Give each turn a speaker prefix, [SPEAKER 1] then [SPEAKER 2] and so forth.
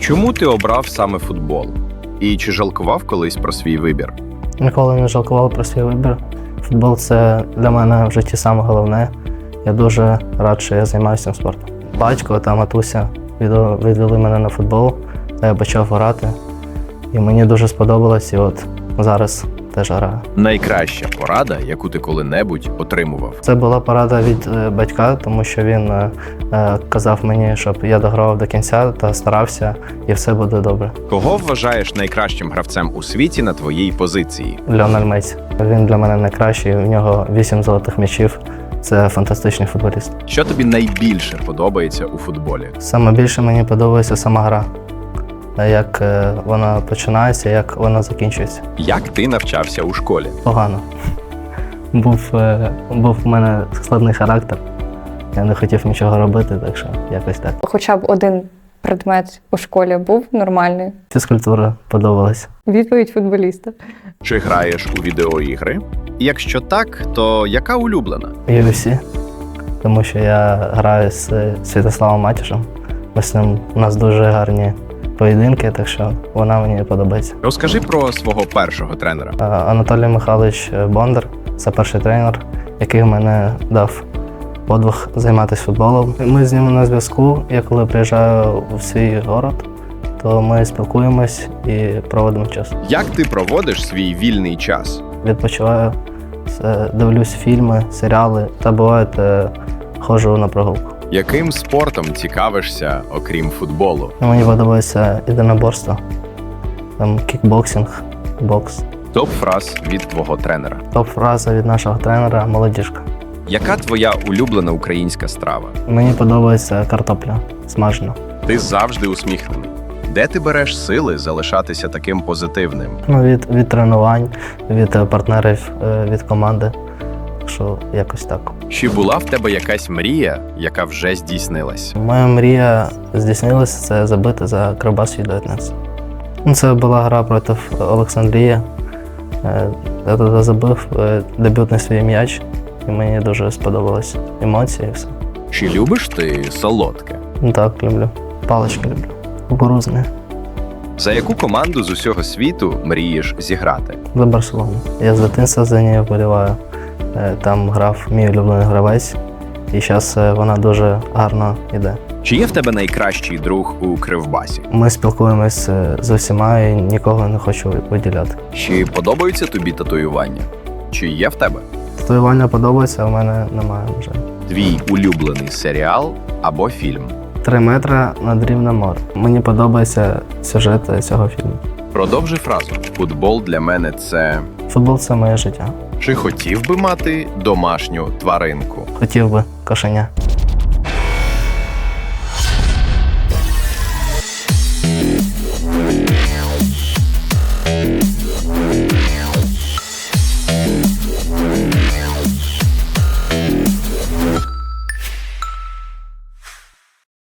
[SPEAKER 1] Чому ти обрав саме футбол? І чи жалкував колись про свій вибір?
[SPEAKER 2] Ніколи не жалкував про свій вибір. Футбол – це для мене в житті саме головне. Я дуже рад, що я займаюся цим спортом. Батько та матуся відвели мене на футбол, та я почав грати. І мені дуже сподобалось, і от зараз теж граю.
[SPEAKER 1] Найкраща порада, яку ти коли-небудь отримував?
[SPEAKER 2] Це була порада від батька, тому що він казав мені, щоб я догравав до кінця та старався, і все буде добре.
[SPEAKER 1] Кого вважаєш найкращим гравцем у світі на твоїй позиції?
[SPEAKER 2] Ліонель Мессі. Він для мене найкращий, у нього 8 золотих м'ячів. Це фантастичний футболіст.
[SPEAKER 1] Що тобі найбільше подобається у футболі?
[SPEAKER 2] Саме більше мені подобається сама гра. Як вона починається, як вона закінчується.
[SPEAKER 1] Як ти навчався у школі?
[SPEAKER 2] Погано. Був у мене складний характер. Я не хотів нічого робити, так що якось так.
[SPEAKER 3] Хоча б один предмет у школі був нормальний.
[SPEAKER 2] Фізкультура подобалась.
[SPEAKER 3] Відповідь футболіста.
[SPEAKER 1] Чи граєш у відеоігри? Якщо так, то яка улюблена?
[SPEAKER 2] UFC, тому що я граю з Святославом Матішем. Ми з ним, у нас дуже гарні поєдинки, так що вона мені подобається.
[SPEAKER 1] Розкажи про свого першого тренера.
[SPEAKER 2] Анатолій Михайлович Бондар – це перший тренер, який мене дав подвиг займатися футболом. Ми з ним на зв'язку. Я коли приїжджаю в свій город, то ми спілкуємось і проводимо час.
[SPEAKER 1] Як ти проводиш свій вільний час?
[SPEAKER 2] Відпочиваю, дивлюсь фільми, серіали та буває ходжу на прогулку.
[SPEAKER 1] Яким спортом цікавишся, окрім футболу?
[SPEAKER 2] Мені подобається єдиноборство, там кікбоксинг, бокс.
[SPEAKER 1] Топ-фраз від твого тренера.
[SPEAKER 2] Топ-фраза від нашого тренера «Молодіжка».
[SPEAKER 1] Яка твоя улюблена українська страва?
[SPEAKER 2] Мені подобається картопля смажена.
[SPEAKER 1] Ти завжди усміхнений. Де ти береш сили залишатися таким позитивним?
[SPEAKER 2] Від тренувань, від партнерів, від команди. Так що якось так.
[SPEAKER 1] Чи була в тебе якась мрія, яка вже здійснилась?
[SPEAKER 2] Моя мрія здійснилася – це забити за Кривбас U19. Це була гра проти Олександрії. Я туди забив дебютний свій м'яч, і мені дуже сподобалось емоції і все.
[SPEAKER 1] Чи любиш ти солодке?
[SPEAKER 2] Так, люблю. Палички люблю. Кукурудзні.
[SPEAKER 1] За яку команду з усього світу мрієш зіграти?
[SPEAKER 2] За Барселону. Я з дитинства за нею вболіваю. Там грав мій улюблений гравець, і зараз вона дуже гарно йде.
[SPEAKER 1] Чи є в тебе найкращий друг у Кривбасі?
[SPEAKER 2] Ми спілкуємось з усіма і нікого не хочу виділяти.
[SPEAKER 1] Чи подобаються тобі татуювання? Чи є в тебе?
[SPEAKER 2] Татуювання подобається, а в мене немає вже.
[SPEAKER 1] Твій улюблений серіал або фільм?
[SPEAKER 2] 3 метри над рівнем моря. Мені подобається сюжет цього фільму.
[SPEAKER 1] Продовжи фразу. Футбол для мене це...
[SPEAKER 2] Футбол – це моє життя.
[SPEAKER 1] Чи хотів би мати домашню тваринку?
[SPEAKER 2] Хотів би кошеня.